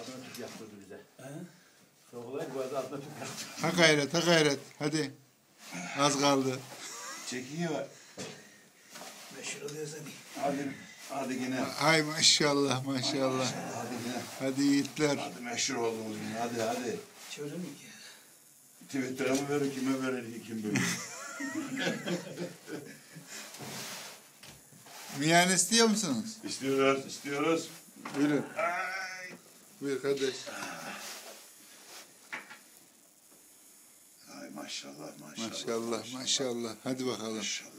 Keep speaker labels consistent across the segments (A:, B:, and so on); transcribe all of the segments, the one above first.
A: altına tüp yaptırdı bize. Soğuklar bu arada altına tüp yaptırdı.
B: Ha gayret, ha gayret. Hadi. Az kaldı.
C: Çekiyor.
A: Meşhur oluyor seni.
C: Hadi yine.
B: Ay maşallah maşallah.
C: Hadi yine.
B: Hadi yiğitler.
C: Hadi meşhur oldunuz yine. Hadi.
A: Çocuğun ki.
C: Twitter'a mı verir, kime verir, kim bilir.
B: Miyan istiyor musunuz?
C: İstiyoruz.
B: Buyurun.
C: Ay.
B: Buyur kardeş.
C: Ay maşallah.
B: Maşallah maşallah. Hadi bakalım.
C: Maşallah.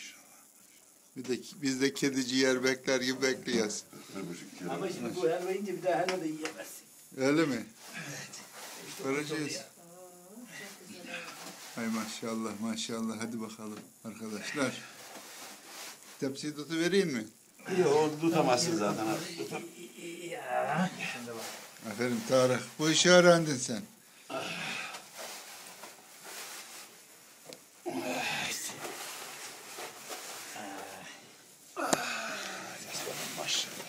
B: Biz de kedi ciğer bekler gibi bekliyoruz.
C: 1,5 kilo.
A: Ama şimdi bu helva yiyince bir daha helva da yiyemezsin.
B: Öyle mi?
A: İşte
B: Göreceğiz. Ay maşallah maşallah. Hadi bakalım arkadaşlar. Tepsiyi tutuvereyim mi?
C: İyi oldu, tutamazsın zaten.
A: Ya. Şimdi bak.
B: Aferin Tarık. Bu işi öğrendin sen.
C: Maşallah.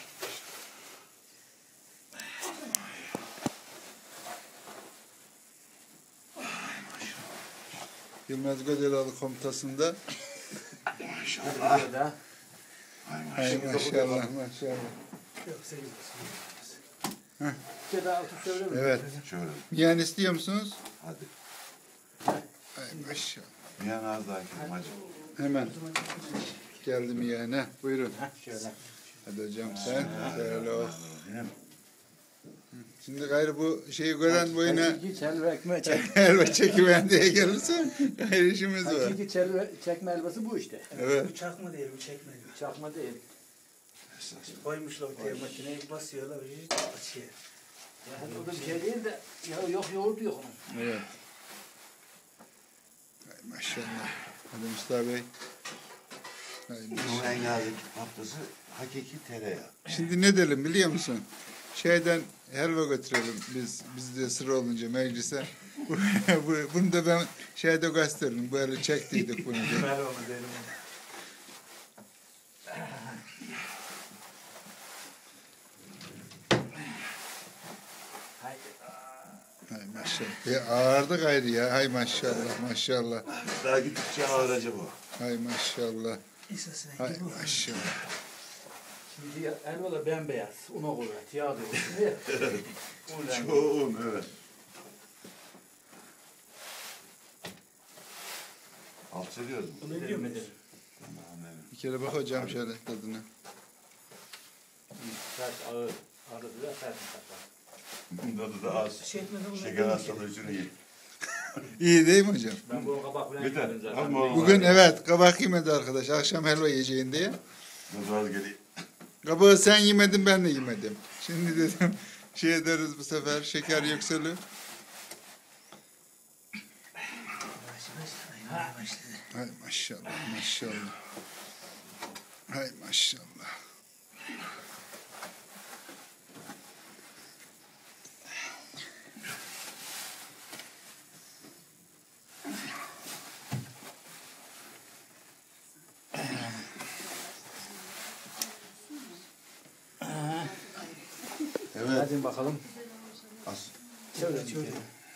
B: Yılmaz Gödelalı komutasında.
C: Maşallah.
A: Burada.
B: Ay maşallah maşallah.
A: Yok sekiz.
B: Heh.
A: Bir daha altı söyle mi?
B: Evet.
C: Şöyle.
B: Miyan istiyor musunuz?
C: Hadi.
B: Ay maşallah.
C: Miyan az daha kelim hacı.
B: Hemen. Geldi miyane. Buyurun.
A: Şöyle.
B: Hadi hocam sen. Şöyle o.
C: Yine
B: Şimdi gayrı bu şeyi gören boyuna
A: Hakiki çelve ekmeği çek.
B: helva çekiven diye gelirse gayrı işimiz var.
A: Hakiki çelve çekme helvası bu işte.
B: Evet.
D: Bu çakma değil, bu çekme diyor.
A: Çakma değil.
D: Koymuşlar ortaya makineyi basıyorlar, hiç açıyor.
A: Yani o da bir şey değil de ya yok yoğurt yok onun.
B: Evet. Ay maşallah. Hadi Mustafa Bey. Ay
C: bunun
B: maşallah.
C: en nazik noktası hakiki tereyağı.
B: Şimdi ne diyelim biliyor musun? Şeyden helva götürelim biz de sıra olunca meclise. Bunu da ben şeyde gösteririm. Böyle çektiydik bunu diye.
D: Ben onu derim.
B: Hay maşallah. Ağırdı gayrı ya. Hay maşallah maşallah.
C: Daha gittikçe ağıracı bu.
B: Hay maşallah.
D: Esasına
B: Hay
D: gibi bu.
B: maşallah.
A: Şimdi helva da bembeyaz. Una kuvvet. Yağ da yok.
C: Çoğun evet. Alt seviyoruz mu?
D: Bunu biliyor musun?
C: Tamam evet.
B: Bir kere bak hocam şöyle tadına.
A: Sert ağır. Ağrısı da sert saklar.
C: Tadı da az.
D: Şey etmeden bunu
C: Şeker
D: biliyor
C: hastalığı için iyi.
B: İyi değil mi hocam?
A: Ben bunu kabak falan
C: Yeter.
A: yemedim zaten.
C: Ama
B: Bugün evet kabak yemedi arkadaş. Akşam helva yiyeceğin diye.
C: Nazar geliyor.
B: Kabağı sen yemedin ben de yemedim. Şimdi dedim şey ederiz bu sefer şeker yükselir. Hay maşallah maşallah. Hay maşallah.
C: Evet.
A: Hadi bakalım.
C: Az.
A: Şöyle şöyle.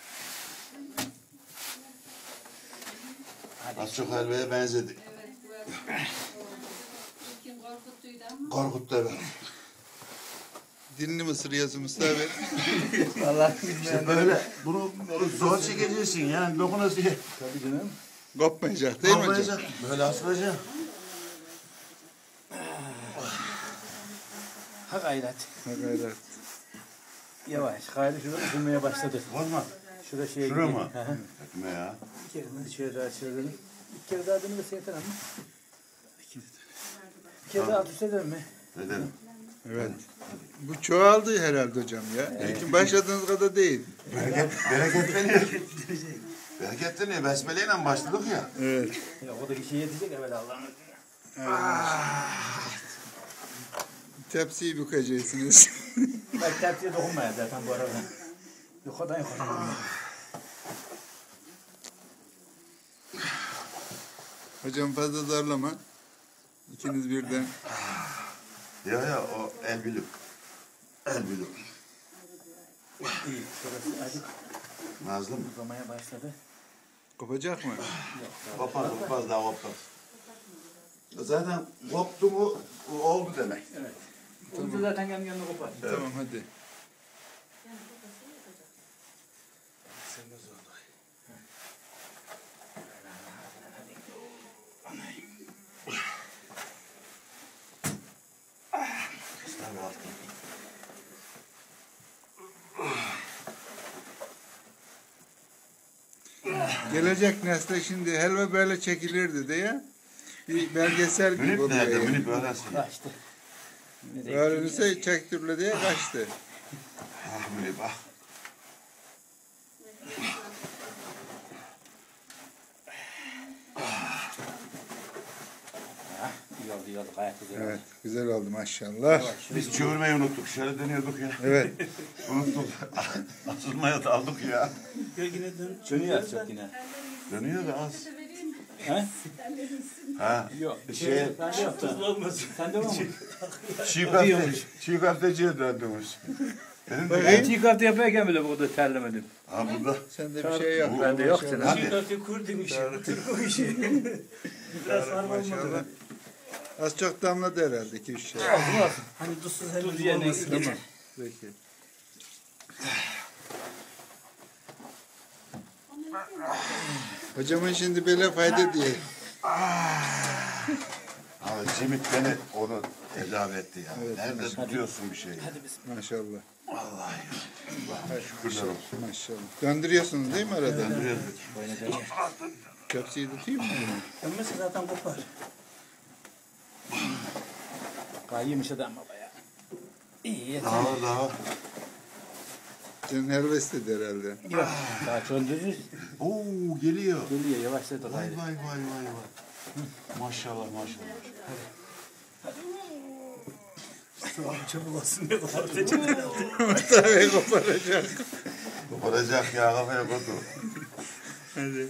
C: Az çok helvaya benzedi.
E: Kim korkuttuydu ama.
C: Korkuttu evet.
B: Dilini mi ısırıyorsun Mustafa Bey?
A: Vallahi
C: İşte böyle bunu zor çekeceksin yani dokunası.
A: tabii canım.
B: Kopmayacak değil mi hocam?
C: Olmayacak. Böyle asılacak.
A: Ha gayret.
B: Ha gayret.
A: Yavaş. Gayrı şurada ısınmaya başladı.
C: Olmaz.
A: Şurada şeye
C: Şura
A: gidiyor.
C: mı?
A: Hı hı.
C: Etme ya.
A: Bir kere daha şöyle daha çevirelim. Bir kere daha dönülürse yeter ama. Bir kere daha alt üst edelim mi?
C: Edelim.
B: Evet. Bu çoğaldı herhalde hocam ya. İlkin başladığınız kadar değil.
C: Bereketleniyor. Bereketleniyor. Besmeleyle başladık ya.
B: Evet.
A: Ya o da kişiye yetecek evvel Allah'ın izniyle.
B: Tepsiyi bükacaksınız.
A: Belki tepsiye dokunmaya zaten bu arada. Yukarıdan yukarıdan.
B: Hocam fazla zorlama. İkiniz birden.
C: Ya o el bilip. El bilip.
D: İyi. Şurası acık
C: Nazlı mı?
D: uzamaya başladı.
B: Kopacak mı?
C: Kopmaz daha kopmaz. Zaten koptu mu oldu demek.
A: Onu zaten kendi kendine kopar.
B: Tamam hadi.
D: Sen de zor.
B: Gelecek nesle şimdi helva böyle çekilirdi diye bir belgesel gibi
C: Münip nerede?
B: oluyor.
C: Münip öğrensin.
A: Kaçtı.
B: Öğrenirse çektirle diye kaçtı.
C: Ah Münip ah.
A: İyi oldu gayet güzel.
B: Evet güzel oldu maşallah.
C: Biz çevirmeyi unuttuk. Şöyle dönüyorduk ya.
B: Evet.
C: Unuttuk. Asılmaya daldık ya.
D: Gölgene dön.
A: Dönüyor çok yine.
C: Dönüyor da az.
A: He?
C: Ha.
A: Yok.
C: Şey,
A: Ben de yaptım.
D: Tuzlu olmasın.
A: Sen de var mı?
C: çiğ köfteciye döndümüş. Benim de
B: Bakayım.
A: Çiğ köfte yaparken bile burada terlemedim.
C: ha burada.
B: Sende bir şey yok.
A: Bende yok senin.
C: Hadi.
D: Çiğ köfte kur demiş. Türk o işi. Biraz sarma
B: Maşallah.
D: olmadı.
B: Az çok damladı herhalde 2-3 şey.
D: Hani tuzsuz
A: Tuz
D: helva
A: yerine
D: olmasın.
A: tamam.
B: Peki. Hocamın şimdi böyle fayda diye.
C: Abi Cemit beni onu tedavi etti ya.
B: Evet,
C: Nerede tutuyorsun bir şeyi?
B: Maşallah.
C: Şükürler olsun.
B: Maşallah. Döndürüyorsunuz değil mi arada?
C: Döndürüyoruz.
B: Köfteyi tutayım mı bunu?
D: Dönmesi zaten kopar.
A: Kayıymış adam baba ya. İyi yeter.
C: Daha.
B: Senin helva istedi herhalde.
A: Yok. Daha çöndürürüz.
C: Oo geliyor.
A: Geliyor yavaşlat o
C: Vay
A: gayrı.
C: vay vay. Maşallah.
D: Çabuk olsun diye ortaya
B: Tabii koparacak.
C: Koparacak ya kafaya koydu.
B: Hadi.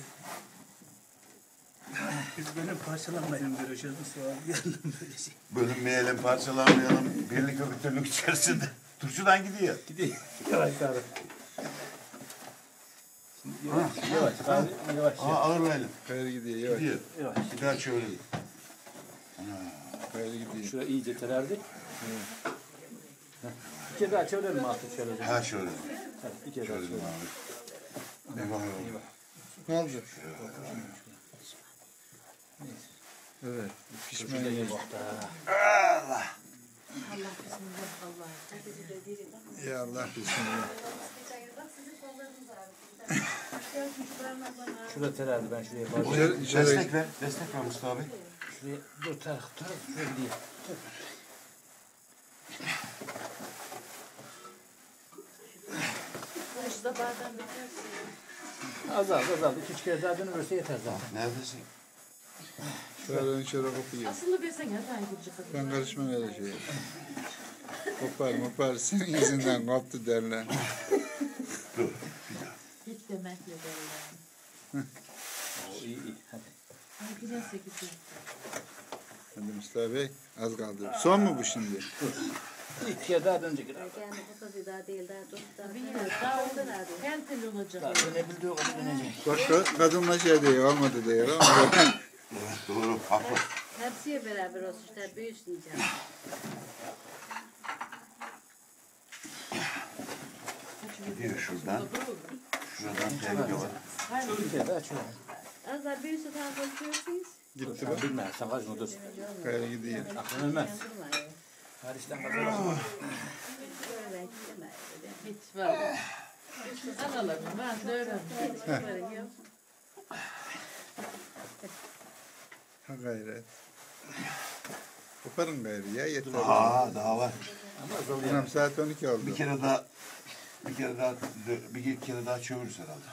D: Biz böyle parçalanmayalım görüşürüz. Sonra yarın böyle şey.
C: Bölünmeyelim, parçalanmayalım. Birlik ve bütünlük içerisinde. Turşudan gidiyor.
A: Gidiyor. Yavaş abi. Yavaş. Yavaş.
C: Aa ağırlayalım.
B: Kayır gidiyor yavaş.
C: Gidiyor.
A: Yavaş.
C: Bir daha çevirelim.
B: Kayır gidiyor.
A: Şuraya iyice tererdi. Bir kere daha çevirelim artık şöyle.
C: Ha şöyle.
A: Hadi bir kere daha
C: Çevirelim
A: çevirelim.
C: abi. Eyvah.
B: Ne oldu? Evet. Pişman.
C: Allah.
B: Ya Allah bismillah.
A: Şurada tererdi ben şuraya bağlı.
C: Destek ver. Destek ver Mustafa abi.
A: Şuraya dur taraf şuraya gideyim. Azaldı. 2-3 kere daha dönülürse yeter zaten.
C: Neredesin?
B: Şöyle kopuyor.
F: Aslında bilsen ya ben gidecek.
B: Ben karışmam öyle şeye. Kopar. Senin yüzünden koptu derler.
C: Dur.
F: Hiç demekle derler.
A: İyi. Hadi.
F: Ay giderse gidiyor.
B: Hadi Mustafa Bey az kaldı. Son mu bu şimdi?
A: İlk kere daha dönecek.
E: Yani bu kadar daha değil daha dur.
F: Bilmiyorum. Daha orada her türlü olacak.
A: Daha dönebildiği kadar dönecek.
B: Bak kadınla şey diyor olmadı diyor ama
C: Evet doğru. Haklı.
E: Hepsiye beraber olsun işte büyüsün diyeceğim.
C: Gidiyor şuradan. Şuradan tehlike var.
A: Bir kere daha şöyle.
E: Az daha büyüsün daha konuşuyorsunuz.
B: gitti
A: Sen bilme. Sen kaçma dur.
B: Kayır gidiyor.
A: Aklın ölmez. Hariçten kazanamaz.
E: Böyle gidemez.
F: Hiç var. Analarım ben de öğrendim.
B: Ha gayret. Koparın gayrı ya yeter.
C: Daha var.
A: Ama azalıyor.
B: Anam saat 12 oldu.
C: Bir kere daha çeviririz herhalde.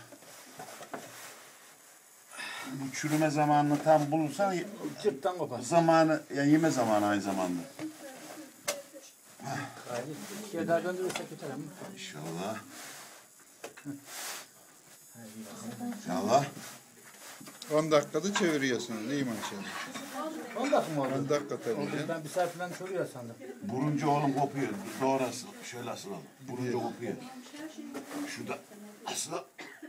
C: Bu çürüme zamanını tam bulursan
A: Cırttan kopar.
C: zamanı yani yeme zamanı aynı zamanda.
A: Hayır. İki kere daha döndürürsek yeter ama.
C: İnşallah. İnşallah.
B: 10 dakikada çeviriyorsunuz değil mi maşallah?
A: 10 dakika mı oldu?
B: 10 dakika tabii
A: Oldu.
B: canım.
A: Ben bir saat falan çoruyor sandım.
C: Buruncu oğlum kopuyor. Doğru asıl. Şöyle asılalım. Buruncu kopuyor. Şurada asılalım.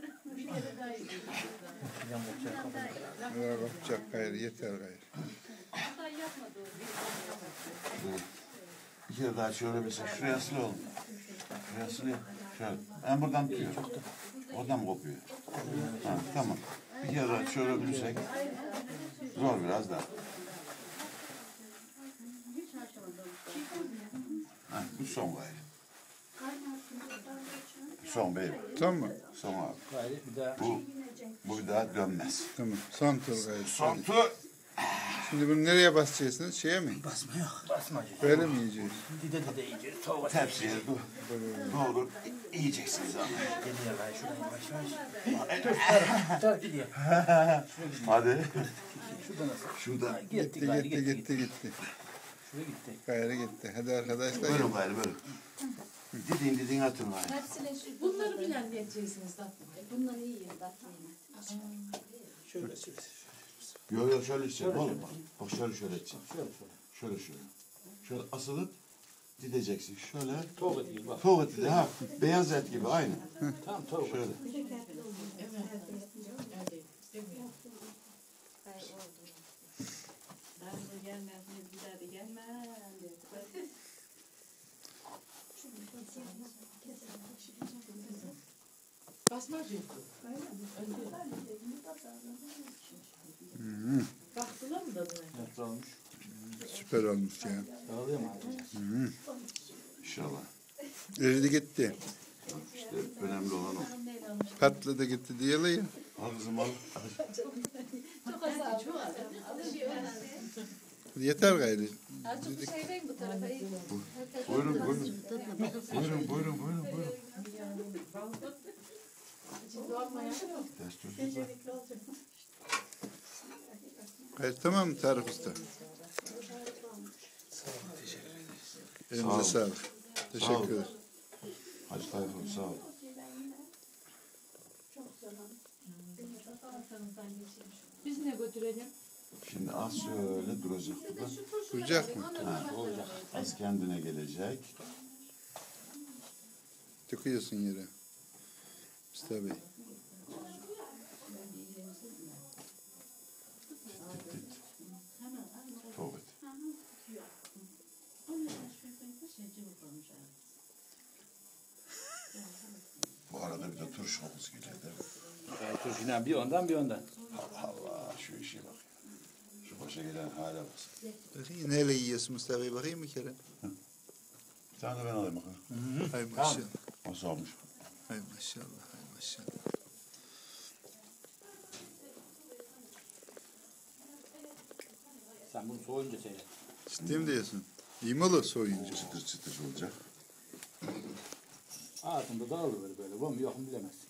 A: Yan bakacak kafana.
B: Ya bakacak gayrı yeter gayrı.
C: Bir kere daha şöyle mesela şuraya asılalım. Şuraya asılayım. Şöyle. Ben buradan tutuyorum. Oradan mı kopuyor? Ha, tamam. Bir kere daha şöyle bilirsek. Zor biraz daha. Ha, bu son gayrı. Son beyim.
B: Tamam mı?
C: Son abi.
A: Gayri bir daha.
C: Bu bir daha dönmez.
B: Tamam. Son tur gayrı.
C: Son tur.
B: Şimdi bunu nereye basacaksınız? Şeye mi?
A: Basma yok. Basma.
B: Böyle mi yiyeceğiz?
A: Dide iyice. Soğuk.
C: Tepsiye doğru yiyeceksiniz ama.
A: Geliyor gayri. Şuradan yavaş yavaş. Dur gidiyor.
C: Hadi.
A: Şurada nasıl?
C: Şurada.
A: Gitti
B: Gitti
A: gayri
B: gitti gitti.
A: Şuraya gitti.
B: Gayrı gitti. Hadi arkadaşlar.
C: Buyurun gayrı buyurun. Didin atın gayrı.
F: Bunları bilen diyeceksiniz tatlım.
E: Bunları yiyeyim tatlıyım.
A: Şöyle şöyle.
C: Yok şöyle içeceğim oğlum bak. Bak şöyle içeceğim.
A: Şöyle.
C: Şöyle asılıp dideceksin. Şöyle.
A: Soğuk ediyor bak.
C: Tavuk eti ha. Beyaz et gibi aynı.
A: Tamam soğuk.
C: Şöyle.
F: Basmacı. Baktılar mı da buna?
A: Nasıl olmuş?
B: Süper olmuş ya.
A: Dağılıyor mu abi?
C: İnşallah.
B: Eridi gitti.
C: İşte önemli olan o.
B: Patladı gitti diyorlar ya.
C: Al kızım al.
B: Yeter gayrı.
E: Azıcık bir şey verin bu tarafa.
C: Buyurun. Buyurun. Ters dur.
B: Gayrı tamam mı Tarık Usta? Elinize sağlık. Teşekkür ederim.
C: Hacı Tayfun sağ ol.
F: Biz ne götürelim?
C: Şimdi az şöyle duracak burada.
B: Duracak mı?
C: Ha, olacak. Az kendine gelecek.
B: Tıkıyorsun yere. Mustafa Bey.
C: Tavuk eti. Bu arada bir de turşumuz geliyor değil mi?
A: Turşuyla bir ondan bir ondan.
C: Allah şu işe bak. Şu başa gelen hale bak.
B: Bakayım neyle yiyorsun Mustafa Bey? Bakayım bir kere.
C: Bir tane de ben alayım bakalım.
B: Hay maşallah.
C: Nasıl olmuş?
B: Hay maşallah. Hay maşallah.
A: Sen bunu soğuyunca seyret.
B: Ciddi mi diyorsun? İyi mi olur soyunca?
C: Çıtır çıtır olacak.
A: Ağzında dağılır böyle. Var mı yok mu bilemezsin.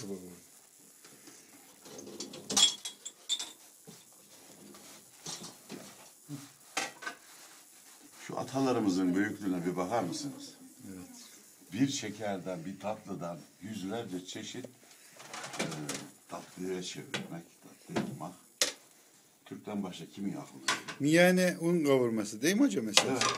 C: Şu atalarımızın büyüklüğüne bir bakar mısınız?
B: Evet.
C: Bir şekerden, bir tatlıdan yüzlerce çeşit tatlıya çevirmek, tatlı yapmak. Türk'ten başka kimin aklına geliyor?
B: Miyane un kavurması değil mi hocam mesela?
C: Evet.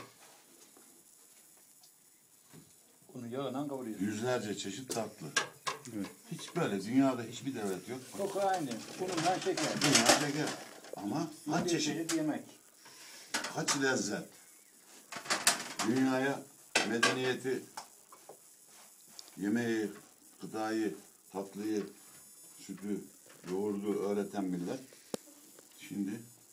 A: Onu yağla kavuruyorsun.
C: Yüzlerce çeşit tatlı.
B: Evet.
C: Hiç böyle dünyada hiçbir devlet yok.
A: Koku aynı. Bununla şeker.
C: Dünya şeker. Ama kaç
A: Bir
C: çeşit,
A: çeşit yemek.
C: kaç lezzet. Dünyaya medeniyeti, yemeği, gıdayı, tatlıyı, sütü, yoğurdu öğreten millet. Şimdi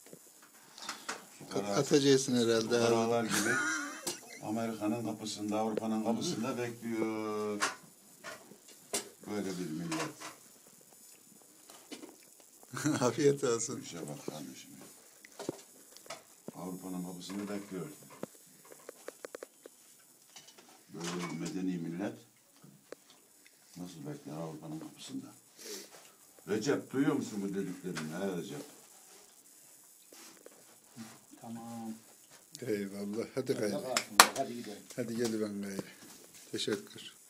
B: Atacaksın herhalde.
C: fukaralar gibi Amerika'nın kapısında, Avrupa'nın kapısında bekliyor. Böyle bir millet.
B: Afiyet olsun.
C: İşe bak kardeşim. Avrupa'nın kapısını bekliyor. Böyle bir medeni millet nasıl bekler Avrupa'nın kapısında? Recep duyuyor musun bu dediklerini? Ha Recep?
A: Tamam.
B: Eyvallah. Hadi gayrı.
A: Hadi gidelim.
B: Hadi gel ben gayrı. Teşekkür.